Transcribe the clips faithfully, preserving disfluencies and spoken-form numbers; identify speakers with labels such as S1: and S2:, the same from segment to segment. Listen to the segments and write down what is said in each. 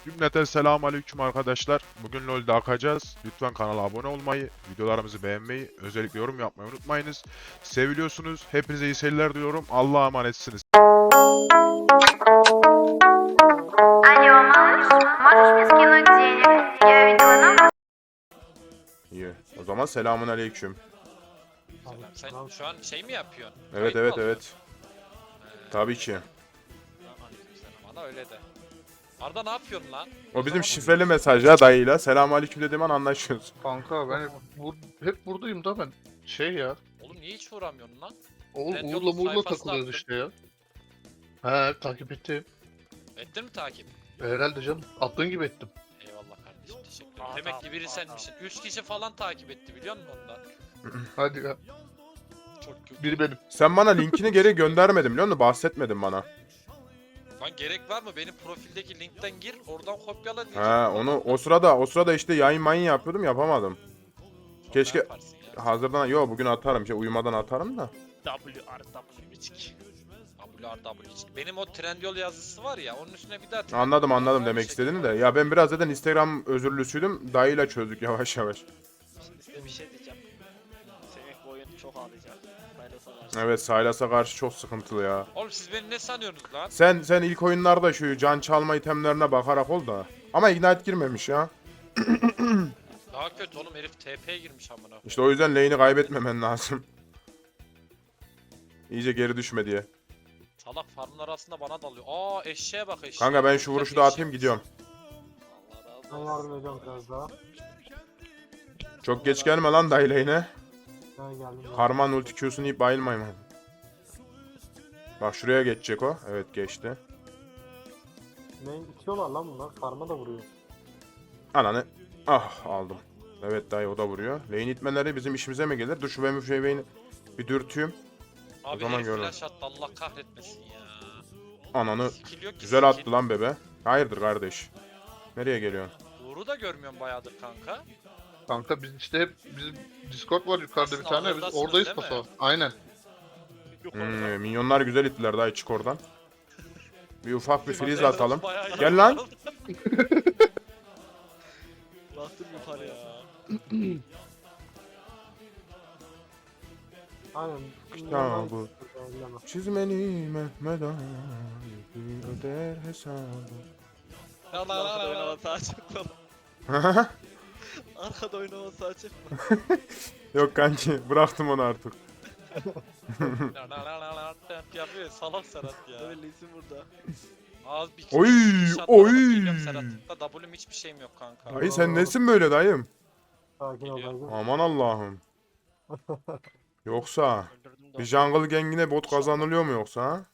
S1: Cümleten selamun aleyküm arkadaşlar. Bugün LoL'de akacağız. Lütfen kanala abone olmayı, videolarımızı beğenmeyi, özellikle yorum yapmayı unutmayınız. Seviliyorsunuz. Hepinize iyi seyirler diliyorum. Allah'a emanetsiniz.
S2: Алло, малыш, можешь мне скинуть денег? Я видела номер.
S1: İyi. O zaman selamun aleyküm.
S3: Selam. Sen şu an şey mi yapıyorsun?
S1: Evet
S3: Kayıt mı
S1: evet
S3: alıyorsun?
S1: evet. Tabii ki.
S3: Bana öyle de. Arda ne yapıyorsun lan?
S1: O bizim şifreli mesaj ya dayıyla. Selamun aleyküm dediğim an anlaşıyoruz.
S4: Kanka ben hep, bur- hep buradayım da ben. Şey ya.
S3: Oğlum niye hiç uğramıyorsun lan?
S4: Oğul,
S3: Ben
S4: Uğur'la
S3: yolun
S4: Muğur'la
S3: sayfasına
S4: takılıyoruz
S3: attım.
S4: işte ya. He takip ettim.
S3: Ettin mi takip?
S4: Herhalde canım. Attığın gibi ettim.
S3: Eyvallah kardeşim, teşekkür ederim. Demek ki biri senmişsin. Üç kişi falan takip etti biliyor musun ondan?
S4: Hadi ya.
S3: Çok kötü.
S4: Biri benim.
S1: Sen bana linkini geri göndermedin biliyor musun? Bahsetmedin bana.
S3: Lan gerek var mı? Benim profildeki linkten gir, oradan kopyala diyeceğim.
S1: He onu o sırada o sırada işte yayın mayın yapıyordum yapamadım.
S3: Sonra
S1: keşke-
S3: ne yaparsın ya?
S1: Hazırdan yo bugün atarım. Şey, uyumadan atarım da.
S5: W R W biçik.
S3: W R W hiç. Benim o Trendyol yazısı var ya, onun üstüne bir daha Trendyol
S1: Anladım anladım
S3: yazar,
S1: demek
S3: bir şekilde
S1: istediğini de.
S3: var.
S1: Ya ben biraz zaten Instagram özürlüsüydüm. Dayıyla çözdük yavaş yavaş.
S5: Şimdi size bir şey diyeceğim. Semih bu oyun çok ağlayacak. Faydası var.
S1: Evet Sylas'a karşı çok sıkıntılı ya.
S3: Oğlum siz beni ne sanıyorsunuz lan?
S1: Sen sen ilk oyunlarda şu can çalma itemlerine bakarak ol da. Ama Ignite girmemiş ya.
S3: Daha kötü oğlum, herif T P'ye girmiş amına.
S1: İşte o yüzden lane'i kaybetmemen lazım. İyice geri düşme diye.
S3: Salak farmlar aslında bana dalıyor. Aa eşeğe bak eşeğe.
S1: Kanka ben
S3: Çok
S1: şu
S3: güzel
S1: vuruşu
S3: bir
S1: da
S3: eşek.
S1: atayım gidiyorum.
S5: Allah
S6: Ben
S5: razı olsun.
S6: yardım ediyorum biraz daha.
S1: Çok geç gelme lan dayı lane'e.
S6: Ben geldim.
S1: Karman ulti Q'sunu yiyip bayılmayayım. Bak şuraya geçecek o. Evet geçti.
S6: Ne itiyorlar lan bunlar? Farma da vuruyor.
S1: Ananı. Ah aldım. Evet dayı o da vuruyor. Lane itmeleri bizim işimize mi gelir? Dur şu benim şeyi bir dürtüyüm.
S3: Abi
S1: zaman
S3: herif
S1: görürüm.
S3: flash attı, Allah kahretmesin ya.
S1: Ananı.
S3: Skill yok ki,
S1: Güzel
S3: skill.
S1: attı lan bebe. Hayırdır kardeş? Nereye geliyorsun?
S3: Uğur'u da görmüyorum bayağıdır kanka.
S4: Kanka biz işte hep bizim Discord var yukarıda bir
S3: Aslında
S4: tane. Biz
S3: oradasınız
S4: oradayız
S3: değil mi?
S4: paso. Aynen.
S1: Hmm, minyonlar güzel ittiler dayı çık oradan. Bir ufak bir freeze
S3: Bayağı-
S1: atalım.
S3: bayağı
S1: Gel
S3: iyi
S1: lan.
S3: oldu.
S5: Bastım yukarı ya.
S6: Aynen.
S1: Ya bu.
S6: Elleme.
S1: Çizmeni Mehmet Ali öder hesabı.
S5: Arkada oynaması açık lan. Arkada oynaması açık.
S1: Yok kanki bıraktım onu artık.
S3: La la la la la yapıyor salak Serhat ya.
S5: Öyle isim burada.
S3: Az bir
S1: Oy,
S3: bir shotlara
S1: oy.
S3: bakıyorum Serhat'ta. W'm hiçbir şeyim yok kanka.
S1: Dayı sen nesin böyle dayım?
S6: Sakin ol dayıcım.
S1: Aman Allah'ım. Yoksa
S5: Öldürdüm de.
S1: bir jungle gengine bot kazanılıyor mu yoksa ha?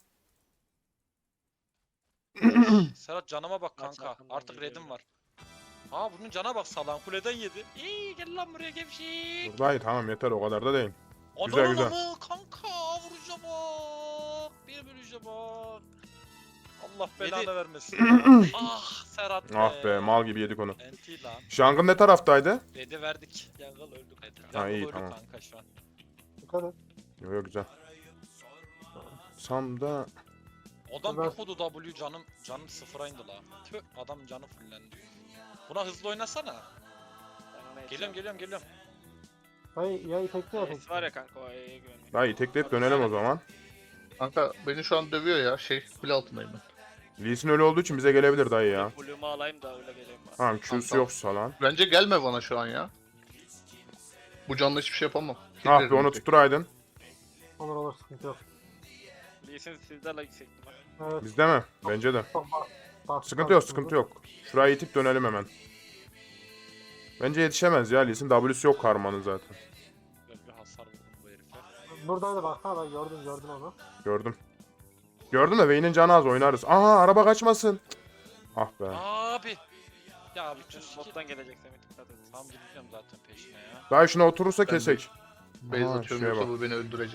S3: Serhat canıma bak
S5: Maç
S3: kanka.
S5: hakkında
S3: Artık
S5: geliyorum.
S3: redim var. Aa bunun cana bak, salan kuleden yedi. İyi gel lan buraya gevşek.
S1: Dur dayı tamam yeter o kadar da değil. Güzel,
S3: Güzel
S1: güzel.
S3: güzel. Kanka vuruşa bak. Bir vuruşa bak. Allah belanı vermesin. Ah Serhat be.
S1: Ah be mal gibi yedik onu.
S3: Enti lan.
S1: Jungle ne taraftaydı?
S3: Redi verdik.
S5: Jungle öldük.
S1: Ha, iyi,
S3: Jungle
S1: tamam.
S3: öldü kanka şu an.
S6: Dikkat et.
S1: Yok yok güzel. Sam'da
S3: Adam
S6: Ben-
S3: bir kodu W canım canım sıfıra indi la. Tüh adam canı fullendi. Buna hızlı oynasana. Geliyorum geliyorum geliyorum.
S6: Dayı yayı tekne yap.
S5: Es var ya kanka o E'ye güvenmiyor.
S1: dayı tekleyip dönelim o zaman.
S4: Kanka beni şu an dövüyor ya. Şey kule altındayım ben.
S1: Lee Sin öyle olduğu için bize gelebilir dayı ya.
S5: Blue'umu alayım da öyle geleyim ben.
S1: Tamam Q'su
S4: Tamam.
S1: yoksa lan.
S4: Bence gelme bana şu an ya. Bu canlı hiçbir şey yapamam.
S1: Ah be
S4: Killerim
S1: onu
S4: tek.
S1: tutturaydın.
S6: Olur olur sıkıntı yok.
S5: Lee'sin sizde la yüksektim ben.
S6: Evet.
S1: Bizde mi? Bence de.
S6: Çok bak. bak-
S1: Sıkıntı yok
S6: bak-
S1: sıkıntı yok. Şurayı itip dönelim hemen. Bence yetişemez ya Lee Sin. W'su yok karmanın zaten.
S3: Böyle bir hasar vurdum bu herife.
S6: Buradaydı bak ha ben gördüm gördüm onu.
S1: Gördüm. Gördün mü? Vayne'in canı az oynarız. Aha araba kaçmasın. Ah be.
S3: Abi. Ya bütün
S5: Bütün
S3: skill.
S5: bottan gelecek Semih dikkat et.
S3: Tam gidiyorum zaten peşine ya.
S1: Dayı şuna oturursa
S4: Ben de-
S1: kesek.
S4: Beyza
S1: Aha,
S4: atıyorum
S1: şuraya
S4: yoksa
S1: bak.
S4: bu beni öldürecek.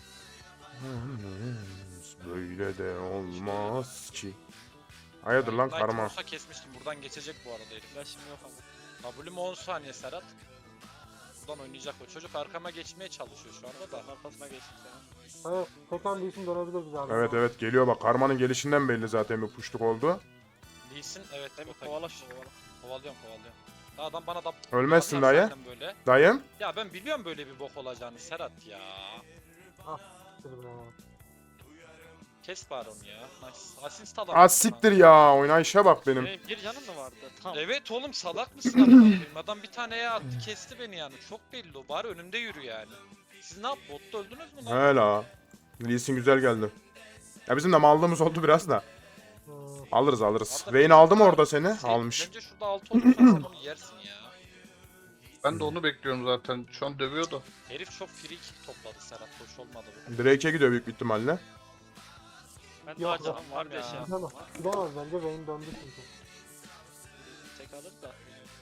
S1: Böyle de olmaz ki. Hayırdır lan
S3: Ignite
S1: karma.
S3: olsa kesmiştim. Buradan geçecek bu arada herif.
S5: Flash'ım yok ama.
S3: W'm on saniye Serhat. Buradan oynayacak o. Çocuk arkama geçmeye çalışıyor şu anda da.
S5: Ben arkasına geçtim senin.
S6: Evet. Tekrar bir isim dönebilir bize abi.
S1: Evet evet geliyor bak. Karmanın gelişinden belli zaten bir puşluk oldu.
S3: Lee Sin evet.
S5: Değil mi?
S3: bota
S5: Kovala
S3: gitmiş.
S5: şunu kovala.
S3: Kovalıyorum kovalıyorum. Daha adam bana da
S1: Ölmezsin
S3: atar
S1: dayı.
S3: zaten böyle.
S1: Dayım.
S3: Ya ben biliyorum böyle bir bok olacağını Serhat ya.
S6: Dur be.
S3: Kes bari onu ya. Nice. Asist adam.
S1: Az siktir ya. Oynayışa bak benim.
S5: Benim bir canım mı vardı? Tamam.
S3: Evet oğlum salak mısın amına koyayım? Adam bir taneye attı kesti beni yani. Çok belli o. Bari önümde yürü yani. Siz ne yap? Botta öldünüz mü lan?
S1: He la. Lee Sin güzel geldi. Ya bizim de mallığımız oldu biraz da.
S6: Hmm.
S1: Alırız alırız.
S3: Arada
S1: Vayne
S3: bir-
S1: aldı mı orada seni?
S3: Sen-
S1: Almış.
S3: Bence şurada altı olursan sen onu yersin ya.
S4: Ben de onu bekliyorum zaten. Şu an dövüyordu.
S3: Herif çok free kick topladı Serhat. Hoş olmadı bu.
S1: Drake'e gidiyor büyük bir ihtimalle.
S5: Ben
S6: Yok,
S5: daha canım
S3: yok.
S5: var diye şey yaptım.
S6: Gidemez. Gidemez bence Vayne döndü çünkü.
S5: Tek alır da.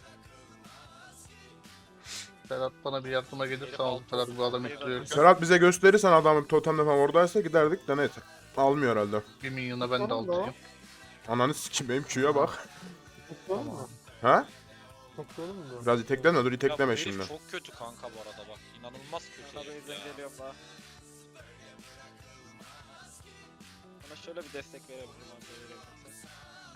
S4: Serhat bana bir yardıma gelirse
S3: Herif
S4: al.
S3: altı
S4: Serhat bu adam
S5: olsun.
S4: ittiriyor.
S1: Serhat bize gösterirsen adamın totemde falan oradaysa giderdik de neyse. Almıyor herhalde.
S4: Bir milyona ben de
S6: Tamam da.
S4: aldırayım.
S1: Ananı sikim benim Q'ya bak.
S6: Tekleyelim mi?
S1: Ha?
S6: Tekleyelim mi? diyorum.
S1: Biraz itekleme dur
S3: Ya
S1: itekleme
S3: bu herif
S1: şimdi.
S3: çok kötü kanka bu arada bak. İnanılmaz kötü
S5: Tabii
S3: herif ya.
S5: yüzden geliyorum daha. Bana şöyle bir destek verebilirim abi. verebilirsen.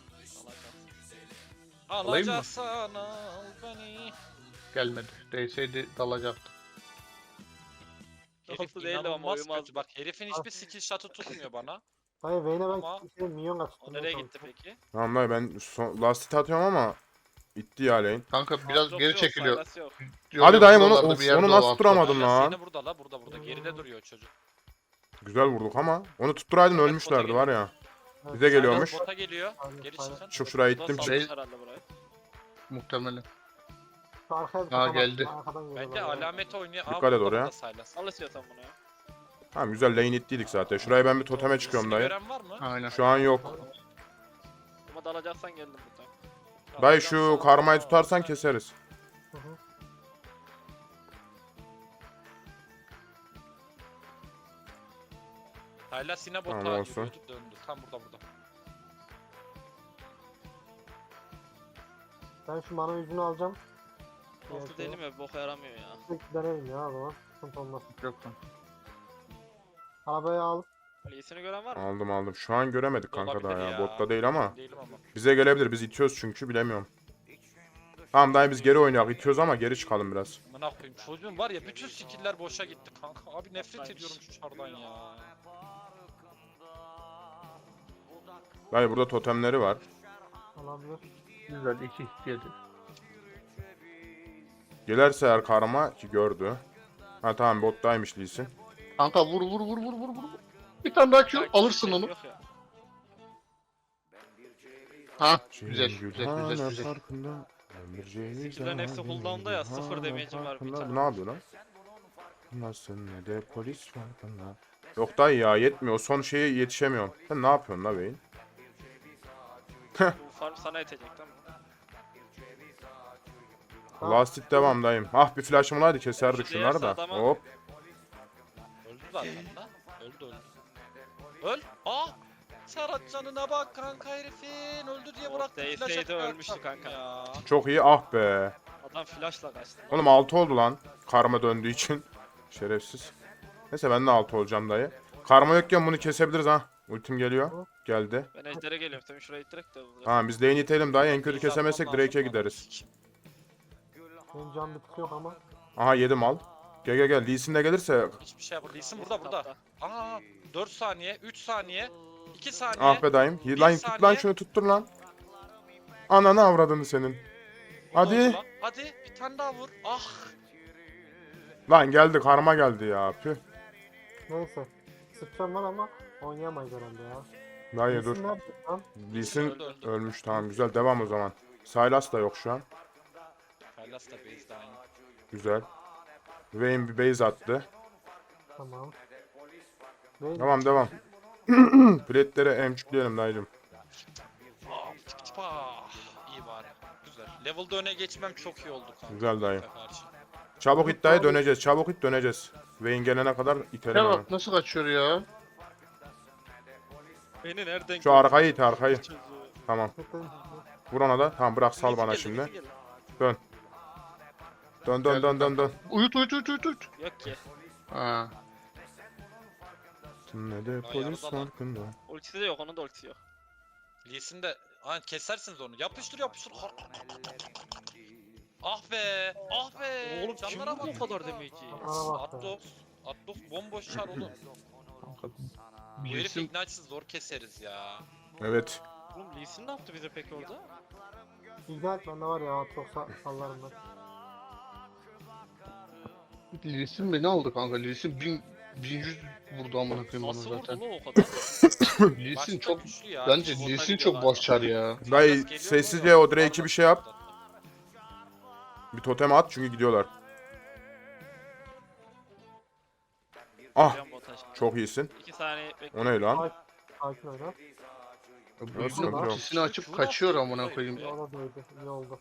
S5: Allah kahretsin.
S4: Alayım mı?
S3: Alacaksan al beni.
S4: Gelmedi. Değseydi dalacaktı.
S3: Herif
S5: Nasıl değil ama
S3: inanılmaz
S5: uyumaz
S3: kötü. Bak herifin hiçbir skill shot'ı tutmuyor bana.
S6: Hayır Vayne'e
S3: Ama-
S6: ben şey, minyon
S5: O
S6: kaçtım.
S5: nereye gitti peki?
S1: Tamam dayı ben son, last hit atıyorum ama itti ya lane.
S4: Kanka biraz
S5: Yok,
S4: geri
S5: yok,
S4: çekiliyor.
S5: faydası yok.
S4: Yok,
S1: Hadi
S4: yok,
S1: dayım onu,
S4: buralarda
S1: of,
S4: bir yerde
S1: onu
S4: o
S1: nasıl
S4: altta.
S1: tutturamadın
S3: Hala
S1: lan?
S3: seni burada la burada burada. Geride duruyor çocuk.
S1: Güzel vurduk ama. Onu tutturaydın
S3: Evet,
S1: ölmüşlerdi
S3: bota
S1: var ya. Bize geliyormuş.
S3: Silas bota geliyor.
S6: Aynen,
S3: Geri
S6: aynen.
S3: çıkın.
S1: Çık şuraya
S5: Bu da
S1: ittim
S5: salmış
S1: çık.
S4: Şey-
S5: herhalde burayı.
S4: Muhtemelen.
S6: Şu arkaya
S4: Aa,
S6: kapat,
S4: geldi.
S6: arkadan
S3: Bence
S6: geliyorlar ya.
S3: alamet oynuyor.
S1: Dikkat
S3: Aa,
S1: et
S3: burada
S1: oraya.
S3: da Silas.
S5: Al istiyorsan bunu ya.
S1: Tamam güzel lane ittiydik zaten. Şuraya ben bir toteme çıkıyorum
S3: İsmini
S1: dayı.
S3: gören var mı?
S4: Aynen.
S1: Şu an yok.
S5: Ama dalacaksan geldim buradan.
S1: Dayı şu karmayı tutarsan keseriz.
S6: Hı hı.
S3: Silas yine bota
S1: Tamam, olsun.
S3: yürüyordu döndü. Tam burada burada.
S6: Ben şu mana yüzünü alacağım.
S5: Altı
S6: Evet,
S5: değil mi? Boka yaramıyor ya.
S6: Tek denerim ya o zaman. Sıkıntı olmaz.
S4: Yok lan.
S6: Arabayı al.
S5: Lee'sini gören var mı?
S1: Aldım aldım. Şu an göremedik kanka daha
S3: Olabilir
S1: ya. Botta değil ama.
S3: Ben değilim ama.
S1: Bize gelebilir. Biz itiyoruz çünkü bilemiyorum. Tamam dayı biz geri oynayak. İtiyoruz ama geri çıkalım biraz.
S3: Amına koyayım çocuğum var ya bütün skill'ler boşa gitti kanka. Abi nefret
S5: Hayır.
S3: ediyorum şu çardan ya.
S1: Dayı burada totemleri var.
S6: Alabilir.
S4: Güzel iki yedi.
S1: Gelerse eğer karma ki gördü. Ha tamam bottaymış Lee Sin.
S4: Kanka vur vur vur vur vur vur. Bir tane daha Q
S5: Belki
S4: alırsın
S5: şey
S4: onu.
S5: yok ya.
S4: Ha güzel güzel güzel
S1: Gülhane
S4: güzel.
S1: farkında, ömürceğini
S5: Skill'lerin hepsi
S1: zalim,
S5: cooldown'da ya, sıfır
S1: gülhane
S5: damage'im var bir
S1: farkında.
S5: tane.
S1: Ne yapıyor lan? Nasıl ne de polis farkında. Yok dayı ya yetmiyor. O son şeye yetişemiyorum. Sen ne yapıyorsun la beyin?
S5: Bu farm sana yetecek tamam mı?
S1: Last hit devam dayım. Ah bir flash'ım olaydı keserdik
S5: Şu
S1: şunları da.
S5: diğerse adama-
S1: Hop.
S3: Öldü zaten lan. Öldü öldü. Öl. Aa! Serhat canına bak kanka herifin. Öldü diye
S5: O
S3: bıraktı.
S5: değseydi
S3: flash atıyor
S5: ölmüştü
S3: arkam
S5: kanka.
S3: Ya.
S1: Çok iyi ah be.
S5: Adam flashla kaçtı.
S1: Oğlum altı oldu lan. Karma döndüğü için. Şerefsiz. Neyse ben de altı olacağım dayı. Karma yokken bunu kesebiliriz ha. Ultim geliyor. Geldi.
S5: Ben ejder'e geliyorum. Tabii şurayı ittirek de vuracağım.
S1: Tamam biz lane itelim dayı. En kötü
S3: Base
S1: kesemezsek
S3: atmam lazım
S1: Drake'e
S3: bana.
S1: gideriz.
S6: Benim can bitki yok ama.
S1: Aha yedim al. Gel gel gel. Lee Sin de gelirse.
S3: Hiçbir şey yapmadı. Lee'sin burada burada.
S5: Tapta.
S3: Aa! dört saniye, üç saniye, iki saniye.
S1: Ah be dayım.
S3: Bir
S1: Lan tut lan
S3: saniye.
S1: şunu tuttur lan. Ananı avradını senin.
S3: O da
S1: Hadi.
S3: oldu lan. Hadi bir tane daha vur. Ah!
S1: Lan geldi karma geldi ya. Püh.
S6: Neyse. Sıçacağım lan ama oynayamayız herhalde ya.
S1: Dayı dur.
S6: İsim nerede lan?
S1: Lee Sin
S3: Öldü, öldü.
S1: ölmüş tamam güzel devam o zaman. Sylas da yok şu an.
S3: Silas da base'de aynı.
S1: Güzel. Vayne bir base attı.
S6: Tamam. Vayne
S1: Tamam devam. Plate'lere emçükleyelim dayıcım.
S3: Ah! Tık tık ah! İyi bari. Güzel. Level'da öne geçmem çok iyi oldu kanka.
S1: Güzel dayı.
S3: Karşı.
S1: Çabuk iddiaya döneceğiz. Çabuk it döneceğiz. Vayne gelene kadar itelim
S4: Ya
S1: hemen.
S4: bak nasıl kaçıyor ya.
S5: Beni nereden
S1: Şu arkayı it arkayı.
S5: çocuğu?
S1: Tamam.
S6: Tıklayın.
S1: Vur ona da. Tamam bırak sal
S5: Birisi
S1: bana
S5: geldi,
S1: şimdi.
S5: birisi geldi.
S1: Dön dön dön dön dön.
S4: Uyut uyut uyut uyut uyut.
S5: Yok ki.
S4: Ha.
S1: Ne de
S3: Ya
S1: polis
S3: yarıda lan.
S1: farkında.
S5: Ultisi de yok. Onun da ultisi yok.
S3: Lee'sin de Aynen kesersiniz onu. Yapıştır yapıştır. Har- har- har- har- har- Ah be. Ah be.
S5: Oğlum kim
S3: Canlara
S5: vurdu
S3: bak
S5: o kadar
S3: ya.
S5: demeyi?
S6: Bana bak ya.
S3: Atlos. Atlos bomboş çar oğlum.
S4: Kanka,
S3: Bu herif
S4: Lee'sin
S3: Ignite'siz zor keseriz ya.
S1: Evet.
S5: Oğlum Lee Sin ne yaptı bize peki orada?
S6: İkna et bende var ya çok sa sallarım ben.
S4: Lee'sin mi ne oldu kanka? Lee'sin bin bin yüz vurdu amına koyayım bana
S5: Nasıl vurdu
S4: zaten.
S5: lan o kadar?
S4: Lee'sin
S3: Başta
S4: çok
S3: güçlü ya.
S4: bence
S5: Bota
S4: Lee'sin
S5: gidiyor
S4: çok
S5: galiba.
S4: başçar ya.
S1: Dayı
S3: Silas geliyor mu?
S1: sessizce
S3: Yok.
S1: o Drake'i bir şey yap. Bir totem at çünkü gidiyorlar. Ah
S5: Geliyorum bota şimdi.
S1: çok iyisin.
S5: İki saniye bekle.
S1: O ne lan?
S6: Sakin oyna.
S4: Bu
S1: sıkıntı
S4: yüzden
S1: yok.
S4: ultisini açıp kaçıyor amına koyayım.
S6: O da değdi. İyi oldu.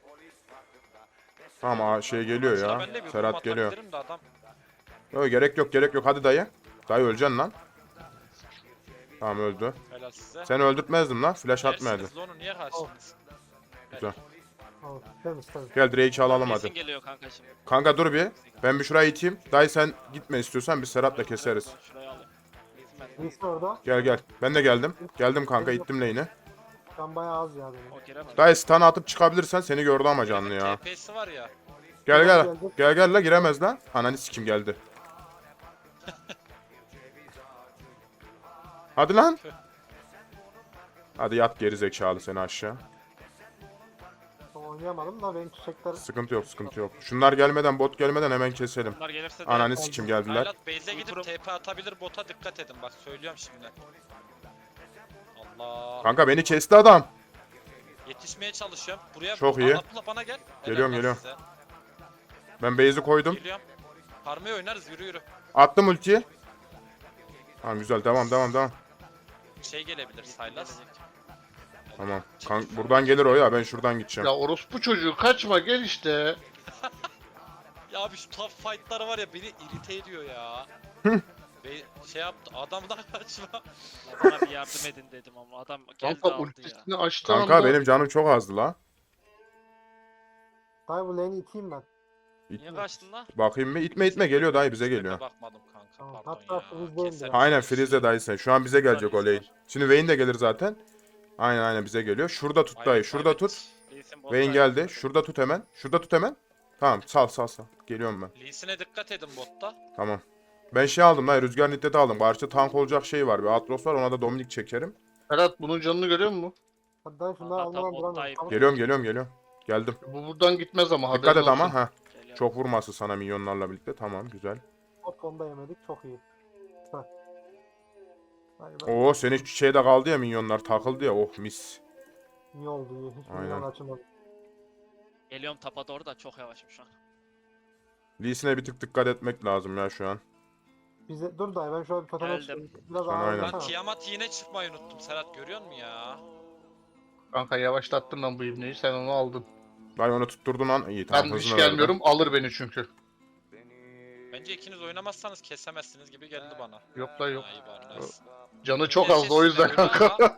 S1: Tamam aa, şey geliyor
S3: Sıra
S1: ya.
S3: bende bir
S1: Serhat
S3: vurma
S1: geliyor.
S3: atabilirim de adam.
S1: Yok gerek yok gerek yok hadi dayı. Dayı öleceksin lan. Tamam öldü.
S3: Helal size.
S1: Seni öldürtmezdim lan. Flash atmayadı.
S3: Yersiniz lan onu niye karşınız?
S1: Güzel.
S6: Tamam. Temiz temiz.
S1: Gel Drake'i alalım
S5: Lee Sin
S1: hadi.
S5: geliyor kanka şimdi.
S1: Kanka dur bir. Ben bir şurayı iteyim. Dayı sen gitme istiyorsan biz Serhat'la keseriz.
S5: Şurayı alayım. Lee Sin bende.
S6: Birisi orada.
S1: Gel gel. Ben de geldim. Geldim kanka ittim lane'i.
S6: Ben bayağı az ya benim.
S5: O giremez.
S1: Dayı stun atıp çıkabilirsen seni gördü ama canlı ya.
S3: T P'si var ya.
S1: Gel gel. Gel gel la giremez lan. Ananı sikim geldi. Hadi lan. Hadi yat geri zekalı seni aşağı.
S6: Tam oynayamadım da benim çiçekler
S1: Sıkıntı yok sıkıntı yok. Şunlar gelmeden bot gelmeden hemen keselim.
S5: Bunlar gelirse de
S1: Ananı sikim geldiler.
S3: Haylat base'e gidip
S5: Ultrum-
S3: T P atabilir bota dikkat edin bak söylüyorum şimdi. Allah.
S1: Kanka beni kesti adam.
S3: Yetişmeye çalışıyorum. Buraya
S1: Çok iyi.
S3: Atla bana gel. Helal
S1: Geliyorum,
S3: lan
S1: geliyorum.
S3: size.
S1: Ben base'i koydum.
S3: Geliyorum. Parmayı oynarız yürü yürü.
S1: Attım ultiyi. Tamam güzel devam devam devam.
S3: Şey gelebilir Sylas.
S1: Tamam. Kan buradan gelir o ya ben şuradan gideceğim.
S4: Ya orospu çocuğu kaçma gel işte.
S3: Ya abi şu tough fight'lar var ya beni irite ediyor ya. Be şey yaptı adamdan kaçma.
S5: bana bir yardım edin dedim ama adam geldi
S4: Kanka
S5: aldı ya.
S4: ultisini açtı
S1: Kanka
S4: anda.
S1: benim canım çok azdı la.
S6: Dayı bu lane'i iteyim ben.
S5: Niye kaçtın lan?
S1: Bakayım mı? İtme itme geliyor dayı bize geliyor.
S3: Bakmadım kanka
S6: Tamam,
S3: pardon
S6: hatta
S3: ya.
S6: freeze'deyim
S3: Keserim.
S6: biraz.
S1: Aynen Freeze dayı sen. Şu an bize gelecek o lane. Şimdi Vayne de gelir zaten. Aynen aynen bize geliyor. Şurada tut dayı. Şurada tut.
S5: Lee Sin
S1: Vayne
S5: botta.
S1: geldi. Şurada tut hemen. Şurada tut hemen. Tamam sal sal sal. Geliyorum ben.
S3: Lee'sine dikkat edin botta.
S1: Tamam. Ben şey aldım dayı. Rüzgar Nittet'i aldım. Karşıda tank olacak şey var. Bir Atros var. Ona da Dominik çekerim.
S4: Ferhat bunun canını görüyor musun?
S6: Hadi dayı şunları
S5: Hatta
S6: almadan
S5: bot
S6: duramıyorum.
S5: dayı-
S6: Tamam.
S1: Geliyorum geliyorum geliyorum. Geldim.
S4: Bu buradan gitmez ama
S1: Dikkat
S4: haberin
S1: et ama.
S4: olsun.
S1: ha.
S5: Geliyor.
S1: Çok vurması sana minyonlarla birlikte. Tamam güzel.
S6: Bot konuda yemedik çok iyi. Heh. Dayı ben
S1: Oo senin şeyde kaldı ya minyonlar takıldı ya. Oh mis.
S6: iyi oldu iyi. Hiç
S1: Aynen.
S6: milyon açılmadı.
S5: Geliyorum tapa doğru da çok yavaşım şu an.
S1: Lee'sine bir tık dikkat etmek lazım ya şu an.
S6: Bize dur dayı ben şöyle bir toteme
S5: Geldim.
S6: çıkayım. Biraz
S1: Sen
S6: ağır
S1: aynen.
S3: Lan
S6: oynasana.
S3: Tiamat yine çıkmayı unuttum Serhat görüyor musun ya?
S4: Kanka yavaşlattın lan bu ibneyi sen onu aldın.
S1: Dayı onu tutturdun lan. İyi tamam
S4: Ben hiç
S1: hızını verdi.
S4: gelmiyorum alır beni çünkü.
S3: Bence ikiniz oynamazsanız kesemezsiniz gibi geldi bana.
S4: Yok la yok.
S3: Ha, iyi bari, nice.
S4: Canı çok
S3: Neyse,
S4: azdı o yüzden
S3: siz de
S4: kanka.
S3: oyna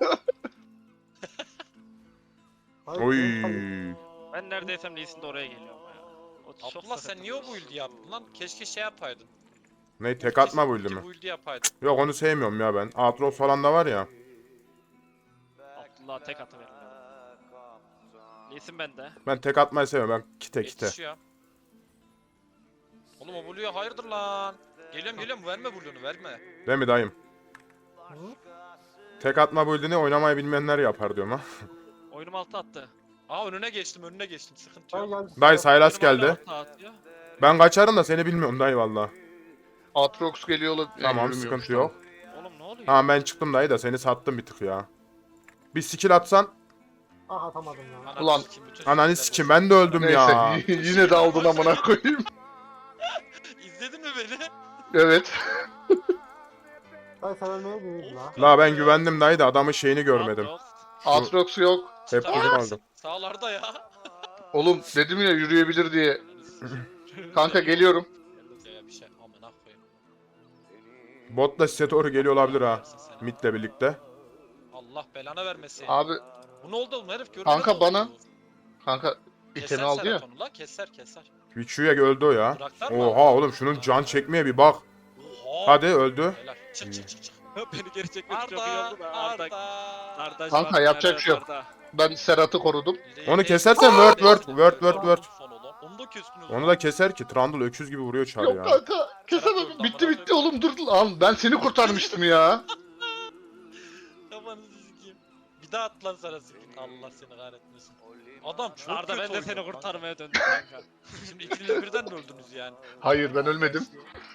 S6: Dayı,
S1: Oy.
S6: benim-
S5: Ben neredeysem Lee Sin de oraya geliyorum ya. O
S3: ama.
S5: çok
S3: Abdullah sen
S5: sıkıntı.
S3: niye o build'i yaptın lan? Keşke şey yapaydın.
S1: Ne tek atma
S3: Keşke
S1: build'i
S3: iki
S1: mi?
S3: build'i yapaydın.
S1: Yok onu sevmiyorum ya ben. Atros falan da var ya.
S5: Abdullah tek atıverin. Lee Sin bende.
S1: Ben tek atmayı sevmiyorum. Ben kite kite.
S3: Yetişiyor. Oğlum o Blue'ya hayırdır lan? Geliyorum geliyorum verme Blue'nu verme.
S1: Değil mi dayım?
S6: Hı?
S1: Tek atma build'ini oynamayı bilmeyenler yapar diyorum ha.
S5: Oyunum altı attı.
S3: Aa önüne geçtim önüne geçtim sıkıntı
S6: Dayı
S3: yok.
S6: geldi.
S1: Dayı Sylas
S5: Oyunum hala
S1: geldi.
S5: altı atıyor.
S1: Ben kaçarım da seni bilmiyorum dayı valla.
S4: Atrox geliyor la-
S1: Tamam
S4: yürümüyormuş,
S1: sıkıntı
S4: tamam.
S1: yok.
S5: Oğlum ne oluyor?
S1: Tamam ben çıktım dayı da seni sattım bir tık ya. Bir skill atsan.
S6: Ah atamadım ya.
S3: Ananı
S4: Ulan,
S3: sikeyim, bütün
S1: Ananı
S3: skill'ler
S1: sikim
S3: bozuldu.
S1: ben de öldüm ya.
S4: Neyse yine de aldın amına koyayım.
S3: İzledin mi beni?
S4: Evet.
S6: Dayı sen ölmeye gidiyorsun la.
S1: La ben güvendim dayı da adamın şeyini görmedim.
S5: Yok.
S4: Atrox yok.
S1: Hep
S3: Tabii,
S1: bizim aldım.
S3: Sağlarda ya.
S4: Oğlum dedim ya yürüyebilir diye. Kanka geliyorum.
S3: Ya bir şey amına koyayım.
S1: Botla size doğru geliyor olabilir ha.
S3: Versin seni.
S1: Mid'le birlikte.
S3: Allah belanı vermesin.
S4: Abi
S3: Bu ne oldu oğlum herif görüyor
S4: Kanka
S3: musun?
S4: bana- kanka
S3: Keser
S4: itemi aldı ya.
S3: Serhat onu la keser keser.
S1: Vichu'ya öldü o ya.
S3: Bıraklar mı?
S1: Oha oğlum şunun can çekmeye bir bak.
S3: Oha.
S1: Hadi öldü.
S3: Helal. Çık çık çık çık.
S5: Beni geri çekmek çok iyi
S3: Arda,
S5: oldu da.
S3: Arda.
S5: Arda. Arda.
S4: Kanka,
S5: şu an
S4: yapacak bir şey yok.
S5: Arda.
S4: Ben Serhat'ı korudum.
S1: Onu kesersen word word word word word.
S3: Onu da kestiniz.
S1: Onu da keser ki Trundle öküz gibi vuruyor çar
S4: Yok
S1: ya.
S4: kanka. Kesemem. Bitti bitti oğlum, dur lan. Ben seni kurtarmıştım ya.
S3: Kafanızı sikeyim. Bir daha at lan sana sikeyim. Allah seni kahretmesin. Adam çok
S5: Arda
S3: kötü
S5: ben de
S3: oynuyor
S5: seni
S3: kanka.
S5: kurtarmaya döndüm kanka.
S3: Şimdi ikiniz birden mi öldünüz yani?
S4: Hayır, ben ölmedim.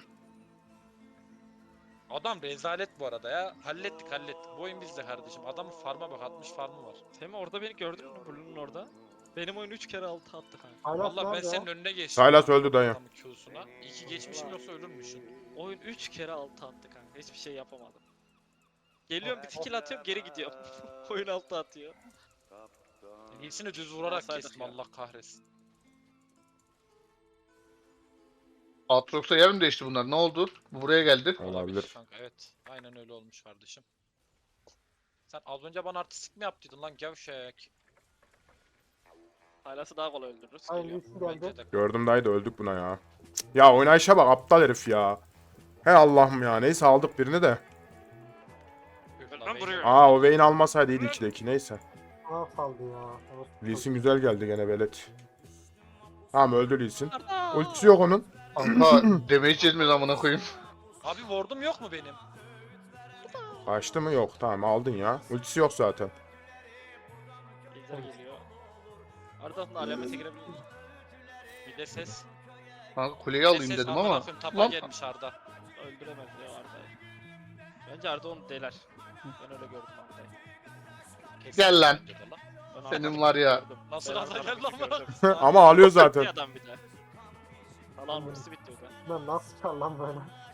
S3: Adam rezalet bu arada ya. Hallettik hallettik. Bu oyun bizde kardeşim. Adamın farma bak altmış farmı var.
S5: Semih orada beni gördün mü Blue'nun orada? Benim oyun üç kere altı attı kanka.
S6: Hala
S3: Vallahi ben
S6: nerede
S3: senin
S6: ya?
S3: önüne geçtim.
S1: Sylas öldü dayı.
S3: Adamın Q'suna. İki geçmişim yoksa ölürmüşsün.
S5: Oyun üç kere altı attı kanka. Hiçbir şey yapamadım. Geliyorum bir skill atıyorum geri gidiyorum. Oyun altı atıyor.
S3: İyisini düz vurarak
S5: Olsaydık
S3: kestim
S5: ya.
S3: Allah kahretsin.
S4: Aatrox'a yer mi değişti bunlar? Ne oldu? Bu buraya geldi.
S1: Olabilir.
S3: Kanka evet. Aynen öyle olmuş kardeşim. Sen az önce bana artistik mi yaptıydın lan gevşek?
S5: Haylası daha kolay öldürürüz.
S6: Hayır
S5: Geliyor.
S6: Lee Sin
S3: Bence
S6: geldi.
S3: de.
S1: Gördüm dayı da öldük buna ya. Cık. Ya oynayışa bak aptal herif ya. He Allah'ım ya, neyse aldık birini de.
S3: Üf
S5: Ben
S3: lan,
S5: vuruyorum.
S3: Vayne.
S1: Aa o Vayne almasaydı iyiydi ikideki, neyse.
S6: Bana saldı ya. Evet.
S1: Lee Sin güzel geldi gene velet. Tamam öldü Lee Sin.
S5: Arda!
S1: Ultisi yok onun.
S4: Kanka damage yetmiyor amına koyayım.
S3: Abi ward'um yok mu benim?
S1: Kaçtı mı? Yok, tamam aldın ya. Ultisi yok zaten.
S5: Ejder geliyor. Arda'nın alamete girebilir.
S3: Bir de ses.
S4: Kanka kuleyi
S3: Bir de
S4: alayım
S3: ses,
S4: dedim
S3: amına
S4: ama.
S3: koyayım, tapa
S4: Lan
S3: gelmiş Arda.
S5: Öldüremez ya Arda'yı. Bence Arda onu deler. Ben öyle gördüm Arda'yı.
S3: Kesin
S4: Gel lan.
S3: dedi lan.
S5: Ben
S4: Senin
S5: Arda'yı
S4: var ya.
S5: gördüm.
S3: Nasıl
S5: Ben
S3: Arda
S5: Arda'yı
S3: geldi lan
S5: gördüm.
S3: bana?
S1: Ama alıyor
S5: Bir
S1: zaten.
S5: adam bir de. Allah'ın ultisi bitti o da.
S6: Ben nasıl çıkar lan böyle?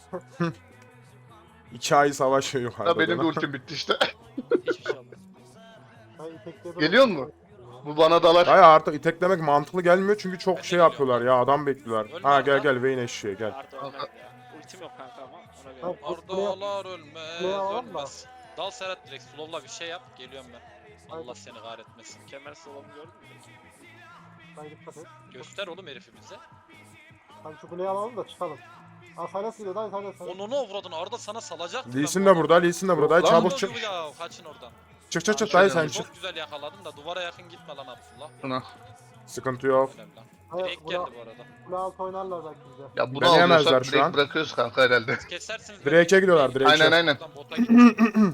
S1: İki ay savaşıyor
S4: Da
S1: yukarıda.
S4: benim de ultim bitti işte.
S5: Hiçbir şey olmaz.
S6: Ben itekledim.
S4: Geliyor mu? Bu bana dalar.
S1: Dayı artık iteklemek mantıklı gelmiyor çünkü çok
S3: Ben de
S1: şey
S3: geliyorum.
S1: yapıyorlar ya, adam bekliyorlar.
S3: Ölme
S1: Ha gel
S3: Arda.
S1: gel Vayne eşeğe gel.
S5: Arda ölmez ya. Ultim yok kanka ama ona göre.
S6: Hayır, bu kuleye-
S3: Ardalar ölmez,
S6: kuleye alalım da.
S3: ölmez. Dal Serhat direkt slowla bir şey yap, geliyorum ben. Allah
S6: Haydi.
S3: seni kahretmesin.
S5: Kemer salonu gördün mü?
S6: Hayır dikkat et.
S3: Göster oğlum herifimize.
S6: Hadi şu kuleyi alalım da çıkalım. Aa Sylas geliyor dayı Sylas. Sylas.
S3: Onu ne avradın Arda sana salacak.
S1: Lee Sin de burada, Lee Sin de burada. Dayı
S4: Lan
S1: çabuk çık.
S3: Ya kaçın oradan.
S1: Çık çık çık
S4: Aa,
S1: dayı
S4: şöyle
S1: sen çık.
S3: Çok güzel yakaladım da duvara yakın gitme lan Abdullah.
S4: Buna.
S1: Sıkıntı yok.
S3: Önemli lan.
S6: Hayır
S3: Direkt
S6: buna,
S3: geldi bu arada.
S6: kule altı oynarlar belki bize.
S4: Ya bunu
S1: Beni yemezler
S4: alıyorsak
S1: şu
S4: direkt
S1: an.
S4: bırakıyoruz kanka herhalde.
S3: Siz kesersiniz.
S1: Drake'e gidiyorlar, Drake'e.
S4: Aynen aynen.
S3: Oradan bota gidin.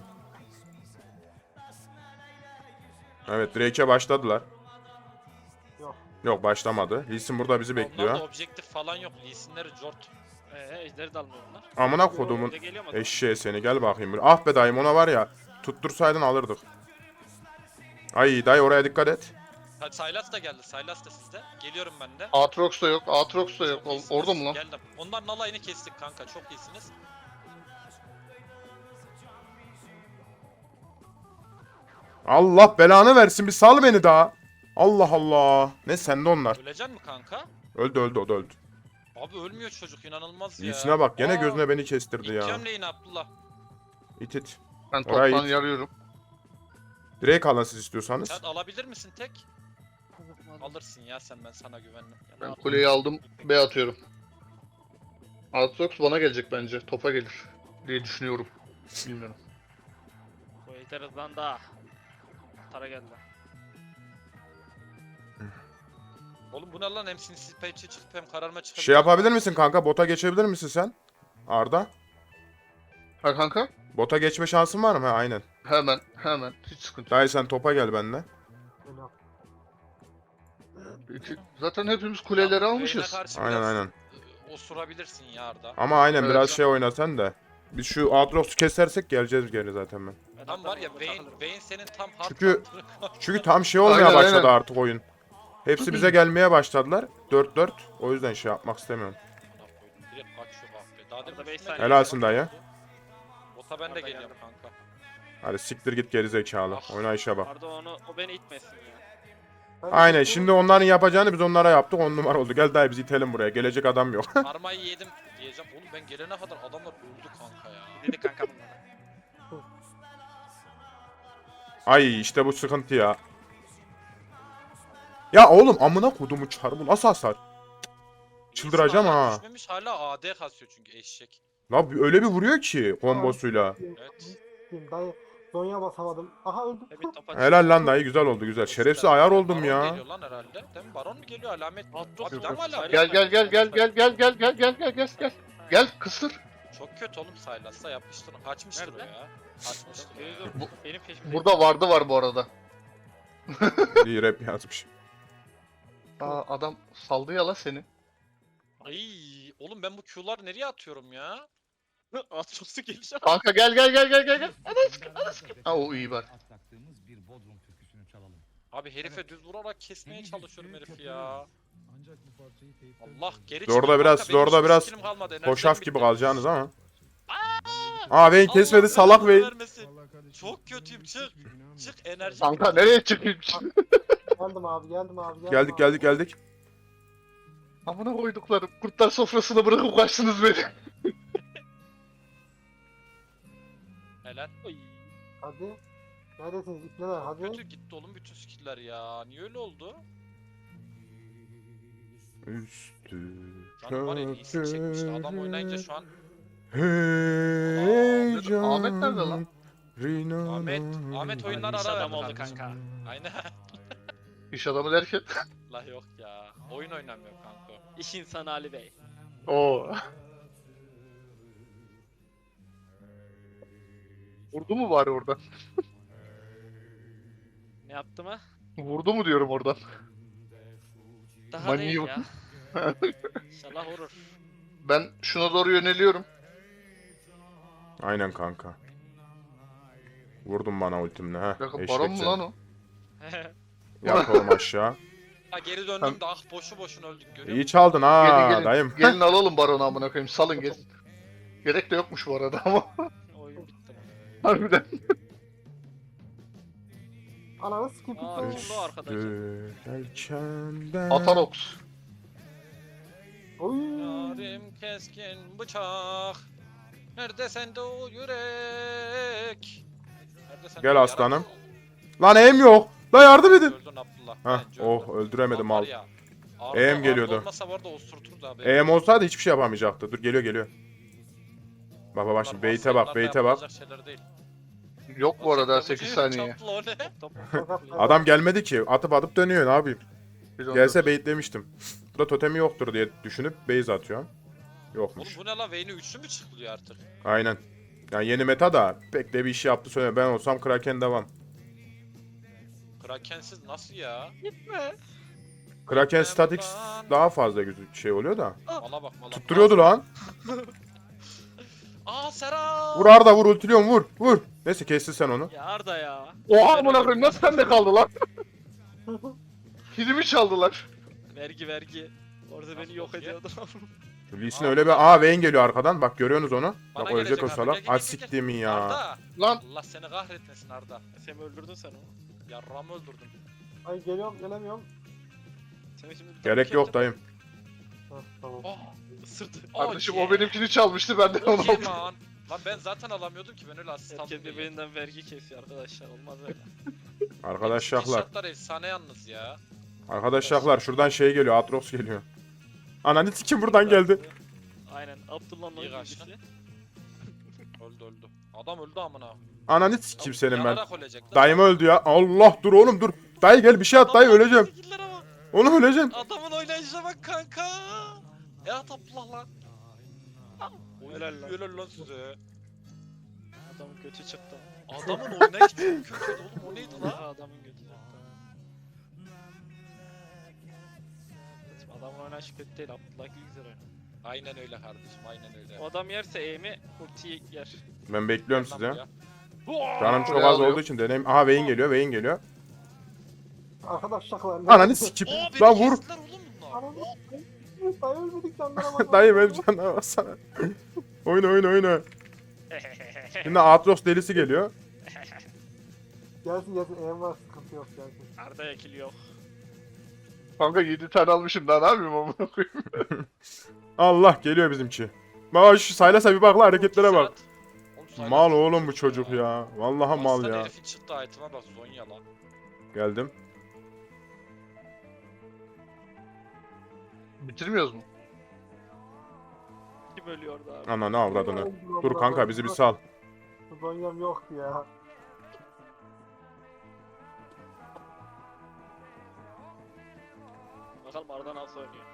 S1: Evet Drake'e başladılar.
S6: Yok.
S1: Yok başlamadı. Lee Sin burada bizi
S3: Onlarda
S1: bekliyor.
S3: objektif falan yok. Lee Sin'leri jort.
S5: Eee ejderi de almıyor bunlar.
S1: Amına kodumun
S5: Bir de geliyor mu?
S1: eşeğe seni, gel bakayım. buraya. Ah be dayım, ona var ya tuttursaydın alırdık. Ay dayı oraya dikkat et.
S3: Hadi Sylas da geldi. Sylas da sizde. Geliyorum ben de.
S4: Aatrox da yok. Aatrox da yok.
S3: Çok
S4: Ol-
S3: iyisiniz.
S4: Orada mı lan?
S3: Geldim. Onların alayını kestik kanka. Çok iyisiniz.
S1: Allah belanı versin, bir sal beni daha. Allah Allah. Ne sende onlar.
S3: Ölecek mi kanka?
S1: Öldü öldü, o da öldü.
S3: Abi ölmüyor çocuk, inanılmaz ya.
S1: İyisine bak, gene
S3: Aa,
S1: gözüne beni kestirdi ya.
S3: İteceğim lane'i Abdullah.
S1: İt it.
S4: Ben
S1: Oraya
S4: toptan
S1: git.
S4: yarıyorum.
S1: Drake alın siz istiyorsanız.
S3: Sen alabilir misin tek? Alırsın ya sen, ben sana güvendim.
S4: Ben kuleyi aldım. B atıyorum. Aatrox bana gelecek bence. Topa gelir diye düşünüyorum. Bilmiyorum.
S5: Bu ejder hızlandı. Tara geldi.
S3: Oğlum bu ne lan, hem sinsi payçı çıkıp hem kararma çıkıp.
S1: Şey yapabilir misin kanka? Bota geçebilir misin sen? Arda.
S4: Ha kanka?
S1: Bota geçme şansın var mı? Ha aynen.
S4: Hemen hemen. Hiç sıkıntı yok.
S1: Dayı sen topa gel benimle.
S6: Beni al.
S4: İki- Zaten hepimiz kuleleri almışız.
S1: Aynen aynen.
S3: e, Osurabilirsin ya Arda.
S1: Ama aynen
S4: Evet.
S1: biraz şey oynasan da. Biz şu Aatrox'u kesersek geleceğiz geri zaten ben.
S5: Ben
S3: Tam var ya
S5: Arda'nın
S3: Vayne,
S5: takılırım.
S3: Vayne senin tam hard
S1: Çünkü-
S3: counter'ı-
S1: Çünkü tam şey olmaya
S4: Aynen,
S1: başladı
S4: aynen.
S1: artık oyun. Hepsi bize gelmeye başladılar. dört dört. O yüzden şey yapmak istemiyorum.
S3: Direkt kaçıyor bak be. Daha
S5: Arada
S3: demin
S5: beş
S3: üstüne
S5: saniye.
S1: Helalsin
S3: geldi.
S1: dayı.
S3: Bota ben de
S5: Arda
S3: geliyorum
S5: geldi.
S3: kanka.
S1: Hadi siktir git geri zekalı.
S3: Ah.
S1: Oynayışa bak.
S5: Arda onu, o beni itmesin ya.
S6: Ben de
S1: Aynen,
S6: bekliyorum.
S1: şimdi onların yapacağını biz onlara yaptık, on numara oldu. Gel dayı biz itelim buraya, gelecek adam yok.
S3: Armayı yedim diyeceğim. Oğlum ben gelene kadar adamlar öldü kanka ya.
S5: Dedi kanka bunlara.
S1: Ay işte bu sıkıntı ya. Ya oğlum amına kodumu çar, bu nasıl hasar? Çıldıracağım
S3: Hala
S1: ha.
S3: Düşmemiş hala A D kasıyor çünkü eşek.
S1: La öyle bir vuruyor ki kombosuyla.
S3: Evet.
S6: Kim dayı Zonya basamadım. Aha öldüm.
S5: Ve bir topa
S1: Helal lan dayı, güzel oldu güzel. Şerefsiz ayar oldum
S3: Baron
S1: ya.
S3: geliyor lan herhalde. Değil mi? Baron mu geliyor? Alamet.
S5: Atros
S3: Abi
S5: yok.
S3: deme alamet.
S4: Gel gel gel gel gel gel gel gel gel gel gel gel. Gel kısır.
S3: Çok kötü oğlum Sylas'la yapmıştır. Kaçmıştır o
S5: Nerede?
S3: ya. Kaçmıştır o ya.
S4: Bu-
S5: Benim peşimde.
S4: Burada vardı var bu arada.
S1: İyi rap yazmış.
S4: Aa adam saldı ya la seni.
S3: Ay oğlum ben bu Q'lar nereye atıyorum ya?
S5: Atros'u gelişe.
S4: Kanka gel gel gel gel gel gel. Ha o iyi bak.
S7: Atlattığımız bir Bodrum türküsünü çalalım.
S3: Abi herife düz vurarak kesmeye çalışıyorum herifi ya.
S7: Ancak bu parçayı teyipte
S3: Allah geri
S1: Zorda
S3: çıkın
S1: biraz-
S3: kanka, benim
S1: zorda
S3: hiçbir
S1: biraz
S3: skillim kalmadı, enerjim
S1: Hoşaf
S3: bitti.
S1: gibi kalacaksınız ama. Aa Vayne kesmedi
S3: Allah
S1: salak
S3: belanı
S1: Vayne.
S3: vermesin. Çok kötüyüm, çık. Çık enerji.
S4: Kanka nereye çıkayım?
S6: Geldim abi geldim abi geldim
S1: Geldik
S6: abi.
S1: geldik geldik.
S4: Amına koyduklarım. Kurtlar sofrasına bırakıp kaçtınız beni.
S3: Helal.
S5: Oy.
S6: Hadi. Neredesiniz ipneler hadi.
S3: Kötü gitti oğlum bütün skill'ler ya. Niye öyle oldu?
S1: Üstü
S3: Canım var ya iyisi çekmişti. Adam oynayınca şu an
S1: heyecan.
S4: Ahmet nerede lan?
S3: Ahmet Ahmet oyunlar
S5: İş
S3: ara
S5: adam
S3: verdi
S5: oldu
S3: kardeşim.
S5: kanka.
S3: Aynen.
S4: İş adamı derken.
S3: La yok ya. Oyun oynamıyor kanka.
S5: İş insanı Ali Bey.
S4: Oo. Vurdu mu bari oradan?
S5: Ne yaptı mı?
S4: Vurdu mu diyorum oradan.
S5: Daha
S4: Manyak.
S5: değil ya. İnşallah vurur.
S4: Ben şuna doğru yöneliyorum.
S1: Aynen kanka. Vurdun bana ultimle ha.
S4: Bakın
S1: eşek
S4: baron mu
S1: seni.
S4: lan o?
S1: Yat oğlum aşağı.
S3: Ha geri döndüm de ah boşu boşuna öldük görüyor
S1: İyi
S3: musun?
S1: çaldın ha
S4: Gelin gelin.
S1: dayım.
S4: Gelin alalım baronu amına koyayım. Salın gelin. Gerek de yokmuş bu arada ama.
S5: Oyun bitti.
S4: Harbiden.
S6: Ananı sikip
S5: Aa,
S6: ipne.
S5: kim bu arkadaş?
S1: Üstü yelkenden-
S4: Atanox.
S6: Oy.
S3: Yarim keskin bıçak. Nerede sende o yürek? Nerede sende
S1: Gel
S3: o
S1: aslanım.
S3: yarak?
S1: Lan eğim yok. La yardım edin.
S3: Öldün Abdullah.
S1: Hah
S3: bence
S1: oh
S3: öldün.
S1: öldüremedim
S3: Lan var
S1: al.
S3: ya, Arda-
S1: Eğim
S3: Arda
S1: geliyordu.
S3: olmasa bu arada osurturdu abi.
S1: Eğim olsaydı hiçbir şey yapamayacaktı. Dur geliyor geliyor. Bak bak bak şimdi
S3: Bunlar
S1: bait'e bak
S3: varsayımlarla
S1: bait'e bak.
S3: yapılacak şeyler değil.
S4: Yok bu arada
S3: Çaplı
S4: sekiz
S3: bu-
S4: saniye.
S3: çaplı o ne?
S1: Adam gelmedi ki. Atıp atıp dönüyor ne yapayım.
S4: Bir on
S1: Gelse
S4: dört.
S1: baitlemiştim. Burada totemi yoktur diye düşünüp base atıyor.
S3: Oğlum
S1: Yokmuş.
S3: bu ne lan? Vayne'i üçlü mü çıkılıyor artık?
S1: Aynen. Yani yeni meta da pek de bir işi yaptı söyle. Ben olsam Kraken devam.
S3: Krakensiz nasıl ya?
S1: Kraken statik daha fazla gözü şey oluyor da.
S3: Mala bak mala.
S1: Tutturuyordu lan.
S3: Aa Serap!
S1: Vur Arda vur ultiliyorum vur vur. Neyse kestin sen onu.
S5: Ya Arda ya.
S4: Oha amına koyayım nasıl sende kaldı lan? Kilimi çaldılar.
S5: Vergi vergi. Orada beni yok
S3: bakıyor?
S5: ediyordu.
S1: Lee Sin öyle bir aa Vayne geliyor arkadan. Bak görüyorsunuz onu.
S3: Bana
S1: Bak ölecek
S3: gelecek
S1: o
S3: Arda,
S1: salak.
S3: gel, gel,
S1: Ay
S3: gel, gel.
S1: siktimin ya.
S3: Arda!
S4: Lan
S3: Allah seni kahretmesin Arda.
S5: Sen mi öldürdün sen onu?
S3: Yarramı öldürdün.
S6: Ay geliyorum gelemiyorum.
S5: Seni şimdi bir
S1: Gerek
S5: tane
S1: yok
S5: kendim
S1: dayım.
S6: Hah, tamam.
S3: Oh!
S5: ısırdı.
S4: kardeşim
S3: Oh,
S4: o benimkini çalmıştı ben de onu
S3: Okay
S4: aldım.
S3: man. Lan ben zaten alamıyordum ki ben öyle asist aldım
S5: Herkes
S3: diye.
S5: birbirinden vergi kesiyor arkadaşlar. Olmaz öyle.
S1: Arkadaşlar.
S3: Screenshotlar efsane yalnız ya.
S1: Arkadaşlar şuradan şey geliyor. Atrox geliyor. Ananı sikim buradan geldi.
S5: Aynen. Abdullah'ın
S3: İyi kaçtın.
S5: oyuncusu.
S3: Öldü öldü. Adam öldü amına.
S1: Ananı sikim senin ben.
S3: Yanarak ölecek lan.
S1: Dayım öldü ya. Allah dur oğlum dur. Dayı gel bir şey at dayı
S3: Adamın
S1: öleceğim.
S3: skill'lere bak.
S1: Oğlum öleceğim.
S3: Adamın oynayışına bak kanka. Ya Abdullah lan. Oy,
S5: Helal lan.
S3: Helal lan size.
S5: Adamın götü çıktı.
S3: Adamın oynayışı çok kötüydü oğlum o neydi lan?
S5: Aha, adamın götü çıktı. Şimdi adamın oynayışı kötü değil. Abdullah iyi güzel oynuyor.
S3: Aynen öyle kardeşim aynen öyle.
S5: O adam yerse eğimi ultiyi yer.
S1: Ben bekliyorum
S3: Lan
S1: sizi.
S3: buraya.
S1: Canım çok
S4: Buraya
S1: az
S4: alıyor.
S1: olduğu için deneyim. Aha Vayne geliyor Vayne geliyor.
S6: Arkadaşlar.
S1: Ananı sikip.
S3: Oo beni
S1: Lan vur.
S3: kestiler oğlum bunlar.
S6: Ananı sikip. Dayı ölmedik canlara bak.
S1: Dayı ben canına bassana. Oyna oyna oyna. Şimdi Atros delisi geliyor.
S6: Gelsin gelsin eğim var sıkıntı yok gelsin.
S5: Arda yakil yok.
S4: Kanka yedi tane almışım daha ne yapayım amına koyayım.
S1: Allah geliyor bizimki. Bak şu Sylas'a bir bak la hareketlere bak.
S3: Oğlum Sylas
S1: Mal
S3: çok
S1: oğlum bu
S3: kötü
S1: çocuk ya. Vallahi mal
S3: Aslan
S1: ya.
S3: herifin çıktı item'a bak Zonya lan.
S1: Geldim.
S4: Bitirmiyoruz mu?
S5: Kim ölüyor orada abi?
S1: Ana ne avradını. Dur kanka bizi bir sal.
S6: Zonyam yoktu ya.
S5: Bakalım Arda nasıl oynuyor.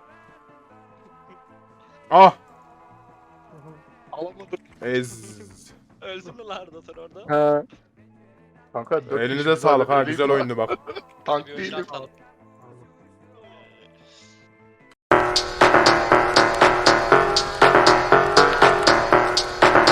S1: Ah!
S4: Alamadım.
S1: Ez.
S5: Öldün mü lan Arda sen orada?
S4: He. Kanka dört
S1: Elinize
S4: kişi
S1: sağlık ha
S4: zaten
S1: güzel
S4: eleyim
S1: oyundu bak.
S4: Tank
S5: Bir
S4: değilim.
S5: oyuncu atalım.